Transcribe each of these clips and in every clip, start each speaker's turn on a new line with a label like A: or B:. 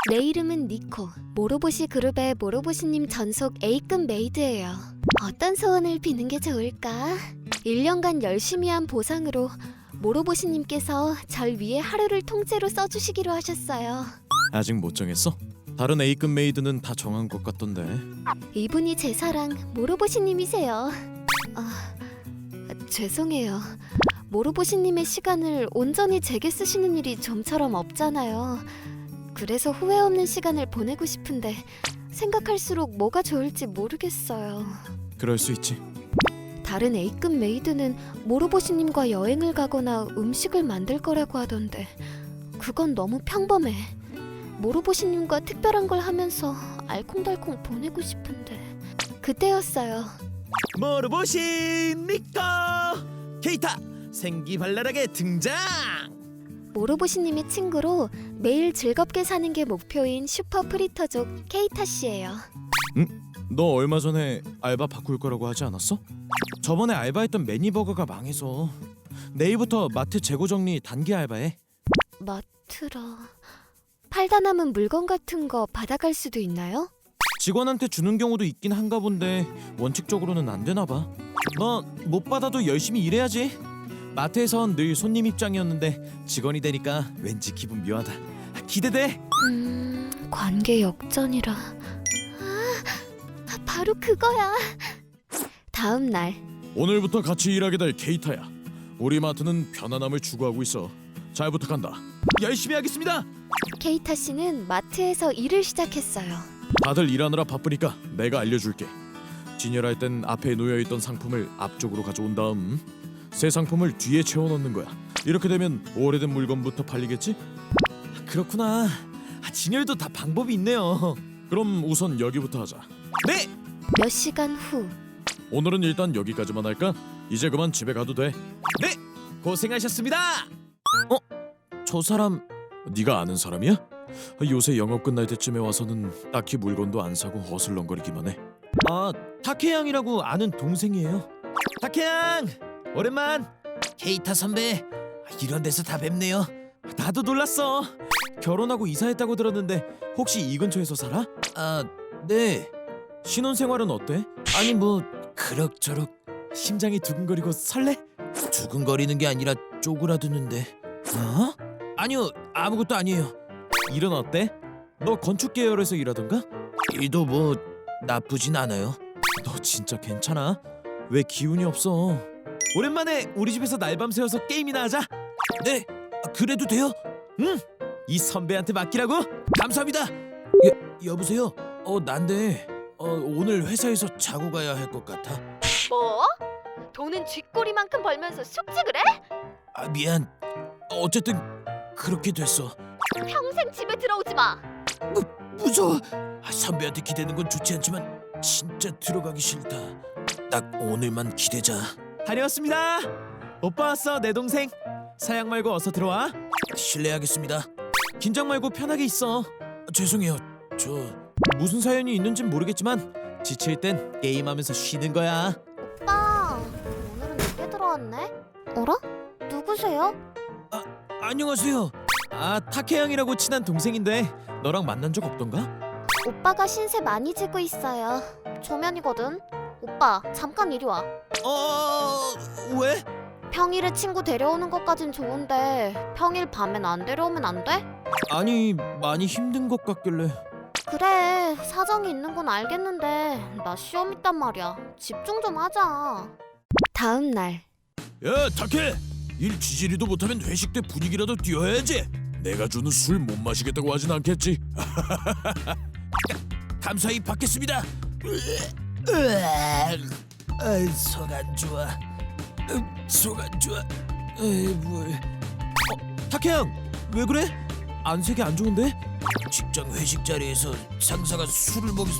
A: 내 이름은 니코. 모로보시 그룹의 모로보시님 전속 A급 메이드예요. 어떤 소원을 비는 게 좋을까? 1년간 열심히 한 보상으로 모로보시님께서 절 위해 하루를 통째로 써주시기로 하셨어요.
B: 아직 못 정했어? 다른 A급 메이드는 다 정한 것 같던데.
A: 이분이 제 사랑 모로보시님이세요. 죄송해요. 모로보시님의 시간을 온전히 제게 쓰시는 일이 좀처럼 없잖아요. 그래서 후회 없는 시간을 보내고 싶은데 생각할수록 뭐가 좋을지 모르겠어요.
B: 그럴 수 있지.
A: 다른 A급 메이드는 모로보시님과 여행을 가거나 음식을 만들 거라고 하던데 그건 너무 평범해. 모로보시님과 특별한 걸 하면서 알콩달콩 보내고 싶은데 그때였어요.
C: 모로보시 니코 케이타 생기발랄하게 등장.
A: 모로보시님의 친구로 매일 즐겁게 사는 게 목표인 슈퍼 프리터족 케이타 씨예요.
B: 너 얼마 전에 알바 바꿀 거라고 하지 않았어? 저번에 알바했던 매니버거가 망해서 내일부터 마트 재고 정리 단기 알바해.
A: 마트라... 팔다 남은 물건 같은 거 받아갈 수도 있나요?
B: 직원한테 주는 경우도 있긴 한가 본데 원칙적으로는 안 되나 봐. 너 못 받아도 열심히 일해야지. 마트에선 늘 손님 입장이었는데 직원이 되니까 왠지 기분 묘하다. 기대돼.
A: 관계 역전이라... 바로 그거야. 다음 날
B: 오늘부터 같이 일하게 될 케이타야. 우리 마트는 편안함을 추구하고 있어. 잘 부탁한다.
C: 열심히 하겠습니다.
A: 케이타 씨는 마트에서 일을 시작했어요.
B: 다들 일하느라 바쁘니까 내가 알려줄게. 진열할 땐 앞에 놓여있던 상품을 앞쪽으로 가져온 다음 새 상품을 뒤에 채워넣는 거야. 이렇게 되면 오래된 물건부터 팔리겠지?
C: 그렇구나. 진열도 다 방법이 있네요.
B: 그럼 우선 여기부터 하자.
C: 네.
A: 몇 시간 후
B: 오늘은 일단 여기까지만 할까? 이제 그만 집에 가도 돼.
C: 네. 고생하셨습니다.
B: 저 사람 네가 아는 사람이야? 요새 영업 끝날 때쯤에 와서는 딱히 물건도 안 사고 어슬렁거리기만 해.
C: 타케양이라고 아는 동생이에요. 타케양 오랜만. 케이타 선배 이런 데서 다 뵙네요. 나도 놀랐어.
B: 결혼하고 이사했다고 들었는데 혹시 이 근처에서 살아?
C: 네.
B: 신혼생활은 어때?
C: 아니 뭐 그럭저럭.
B: 심장이 두근거리고 설레?
C: 두근거리는 게 아니라 쪼그라드는데. 아니요 아무것도 아니에요.
B: 일은 어때? 너 건축 계열에서 일하던가?
C: 일도 뭐 나쁘진 않아요.
B: 너 진짜 괜찮아? 왜 기운이 없어?
C: 오랜만에 우리 집에서 날밤 새워서 게임이나 하자. 네. 그래도 돼요? 응. 이 선배한테 맡기라고? 감사합니다. 여보세요? 난데 오늘 회사에서 자고 가야 할 것 같아.
A: 뭐? 돈은 쥐꼬리만큼 벌면서 숙직을 해?
C: 미안. 어쨌든 그렇게 됐어.
A: 평생 집에 들어오지 마.
C: 무서워. 선배한테 기대는 건 좋지 않지만 진짜 들어가기 싫다. 딱 오늘만 기대자. 다녀왔습니다. 오빠 왔어 내 동생. 사양 말고 어서 들어와. 실례하겠습니다.
B: 긴장 말고 편하게 있어.
C: 죄송해요. 저
B: 무슨 사연이 있는진 모르겠지만 지칠 땐 게임하면서 쉬는 거야.
A: 오빠, 오늘은 늦게 들어왔네. 어라? 누구세요?
C: 안녕하세요.
B: 타케양이라고 친한 동생인데 너랑 만난 적 없던가?
A: 오빠가 신세 많이 지고 있어요. 초면이거든. 오빠, 잠깐 이리 와.
C: 왜?
A: 평일에 친구 데려오는 것까진 좋은데 평일 밤엔 안 데려오면 안 돼?
B: 아니 많이 힘든 것 같길래.
A: 그래, 사정이 있는 건 알겠는데 나 시험 있단 말이야. 집중 좀 하자. 다음 날
C: 야 타케. 일 지지리도 못하면 회식 때 분위기라도 띄워야지. 내가 주는 술 못 마시겠다고 하진 않겠지. 감사히 받겠습니다. 속 안 좋아. 속 안 좋아. 물.
B: 타케양 왜 그래? 안색이 안 좋은데?
C: 직장 회식 자리에서 상사가 술을 먹여서.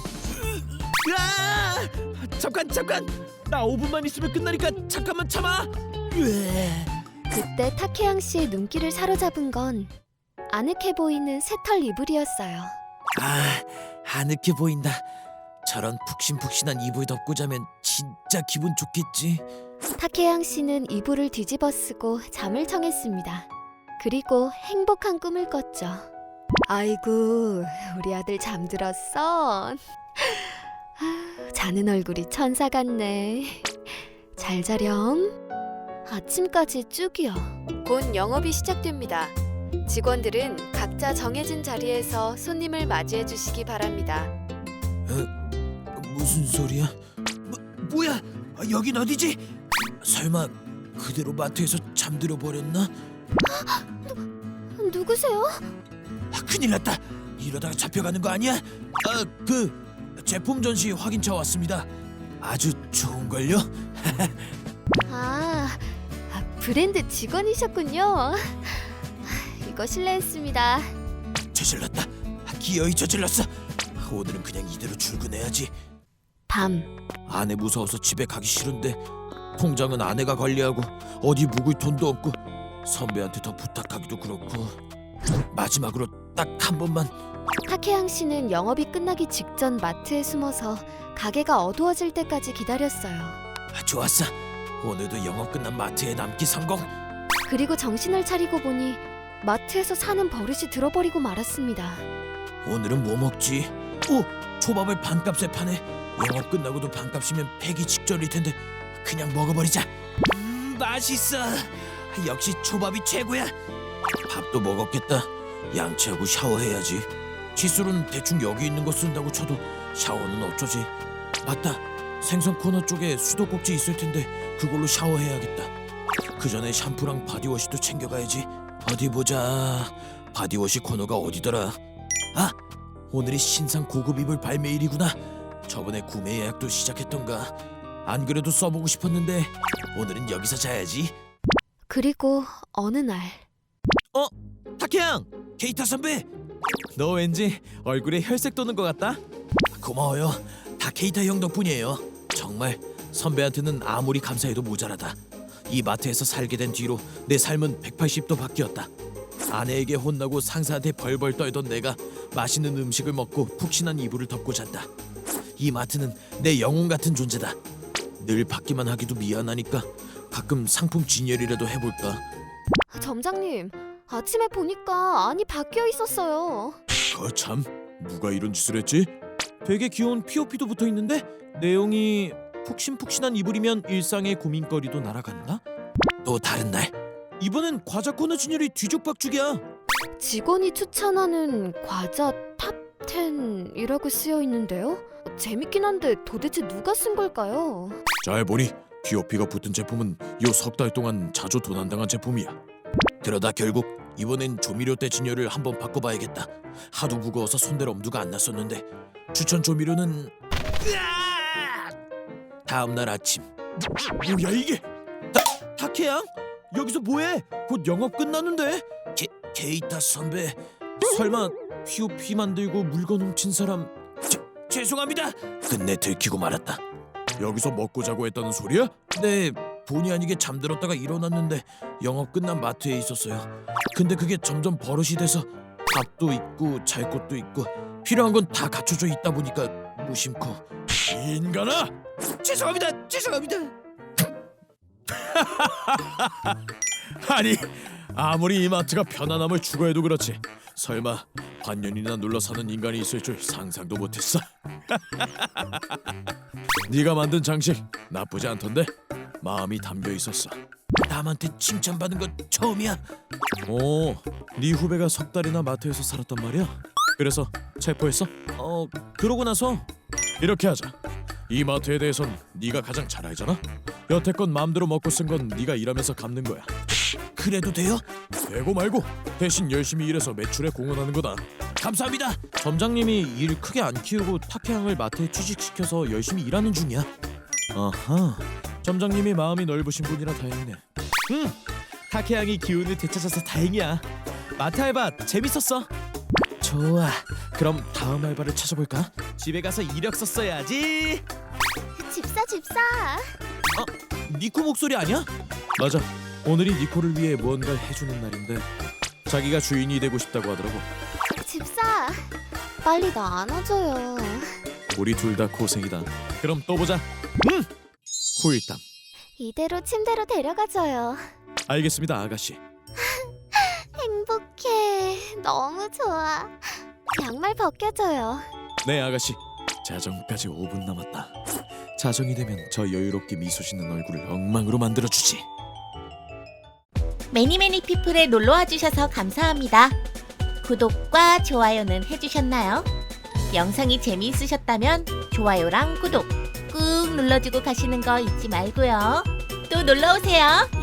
C: 잠깐. 나 5분만 있으면 끝나니까 잠깐만 참아.
A: 그때 타케양 씨의 눈길을 사로잡은 건 아늑해 보이는 새털 이불이었어요.
C: 아늑해 보인다. 저런 푹신푹신한 이불 덮고 자면 진짜 기분 좋겠지.
A: 타케양 씨는 이불을 뒤집어 쓰고 잠을 청했습니다. 그리고 행복한 꿈을 꿨죠. 아이고, 우리 아들 잠들었어. 자는 얼굴이 천사 같네. 잘 자렴. 아침까지 쭉이요. 곧 영업이 시작됩니다. 직원들은 각자 정해진 자리에서 손님을 맞이해 주시기 바랍니다.
C: 무슨 소리야? 뭐야? 여긴 어디지? 설마 그대로 마트에서 잠들어 버렸나?
A: 누구세요?
C: 큰일 났다. 이러다가 잡혀가는 거 아니야? 제품 전시 확인차 왔습니다. 아주 좋은걸요?
A: 브랜드 직원이셨군요. 이거 실례했습니다.
C: 저질렀다. 기어이 저질렀어. 오늘은 그냥 이대로 출근해야지.
A: 밤.
C: 아내 무서워서 집에 가기 싫은데 통장은 아내가 관리하고 어디 묵을 돈도 없고 선배한테 더 부탁하기도 그렇고 마지막으로 딱 한 번만.
A: 타케양 씨는 영업이 끝나기 직전 마트에 숨어서 가게가 어두워질 때까지 기다렸어요.
C: 좋았어. 오늘도 영업 끝난 마트에 남기 성공.
A: 그리고 정신을 차리고 보니 마트에서 사는 버릇이 들어버리고 말았습니다.
C: 오늘은 뭐 먹지? 오! 초밥을 반값에 파네. 영업 끝나고도 반값이면 폐기 직전일 텐데 그냥 먹어버리자. 맛있어. 역시 초밥이 최고야. 밥도 먹었겠다. 양치하고 샤워해야지. 칫솔은 대충 여기 있는 거 쓴다고 쳐도 샤워는 어쩌지? 맞다. 생선 코너 쪽에 수도꼭지 있을 텐데 그걸로 샤워해야겠다. 그 전에 샴푸랑 바디워시도 챙겨가야지. 어디 보자. 바디워시 코너가 어디더라? 아! 오늘이 신상 고급 이불 발매일이구나. 저번에 구매 예약도 시작했던가. 안 그래도 써보고 싶었는데 오늘은 여기서 자야지.
A: 그리고 어느 날
C: 타케양! 케이타 선배!
B: 너 왠지 얼굴에 혈색 도는 것 같다.
C: 고마워요. 다 케이타 형 덕분이에요. 정말 선배한테는 아무리 감사해도 모자라다. 이 마트에서 살게 된 뒤로 내 삶은 180도 바뀌었다. 아내에게 혼나고 상사한테 벌벌 떨던 내가 맛있는 음식을 먹고 푹신한 이불을 덮고 잔다. 이 마트는 내 영혼 같은 존재다. 늘 받기만 하기도 미안하니까 가끔 상품 진열이라도 해볼까.
A: 점장님, 아침에 보니까 안이 바뀌어 있었어요.
B: 거참, 누가 이런 짓을 했지? 되게 귀여운 POP도 붙어 있는데 내용이 푹신푹신한 이불이면 일상의 고민거리도 날아간다?
C: 또 다른 날
B: 이번엔 과자 코너 진열이 뒤죽박죽이야.
A: 직원이 추천하는 과자 탑10이라고 쓰여 있는데요. 재밌긴 한데 도대체 누가 쓴 걸까요?
B: 잘 보니 POP가 붙은 제품은 요 석 달 동안 자주 도난당한 제품이야.
C: 그러다 결국 이번엔 조미료 때 진열을 한번 바꿔봐야겠다. 하도 무거워서 손댈 엄두가 안 났었는데 추천 조미료는 다음날 아침.
B: 뭐야 이게? 타케양? 여기서 뭐해? 곧 영업 끝나는데?
C: 케이타 선배.
B: 설마 POP 만들고 물건 훔친 사람?
C: 죄송합니다. 끝내 들키고 말았다.
B: 여기서 먹고 자고 했다는 소리야?
C: 네, 본의 아니게 잠들었다가 일어났는데 영업 끝난 마트에 있었어요. 근데 그게 점점 버릇이 돼서 밥도 있고 잘 곳도 있고 필요한 건 다 갖춰져 있다 보니까 무심코.
B: 이 인간아!
C: 죄송합니다.
B: 아니 아무리 이 마트가 편안함을 추구해도 그렇지 설마 반년이나 눌러 사는 인간이 있을 줄 상상도 못했어. 네가 만든 장식 나쁘지 않던데? 마음이 담겨 있었어.
C: 남한테 칭찬받은 건 처음이야.
B: 오, 네 후배가 석 달이나 마트에서 살았단 말이야? 그래서 체포했어? 그러고 나서 이렇게 하자. 이 마트에 대해선 네가 가장 잘 알잖아? 여태껏 마음대로 먹고 쓴 건 네가 일하면서 갚는 거야.
C: 그래도 돼요?
B: 되고 말고 대신 열심히 일해서 매출에 공헌하는 거다.
C: 감사합니다.
B: 점장님이 일 크게 안 키우고 타케양을 마트에 취직시켜서 열심히 일하는 중이야. 아하, 점장님이 마음이 넓으신 분이라 다행이네. 타케양이 기운을 되찾아서 다행이야. 마트 알바 재밌었어. 좋아, 그럼 다음 알바를 찾아볼까? 집에 가서 이력서 써야지.
A: 집사.
B: 니코 목소리 아니야? 맞아, 오늘이 니코를 위해 무언가를 해주는 날인데 자기가 주인이 되고 싶다고 하더라고.
A: 집사, 빨리 나 안아줘요.
B: 우리 둘 다 고생이다. 그럼 또 보자. 후일담.
A: 이대로 침대로 데려가줘요.
B: 알겠습니다, 아가씨.
A: 행복해. 너무 좋아. 양말 벗겨줘요.
B: 네 아가씨. 자정까지 5분 남았다. 자정이 되면 저 여유롭게 미소 짓는 얼굴을 엉망으로 만들어주지.
D: 매니매니 피플에 놀러와 주셔서 감사합니다. 구독과 좋아요는 해주셨나요? 영상이 재미있으셨다면 좋아요랑 구독 꾹 눌러주고 가시는 거 잊지 말고요. 또 놀러오세요.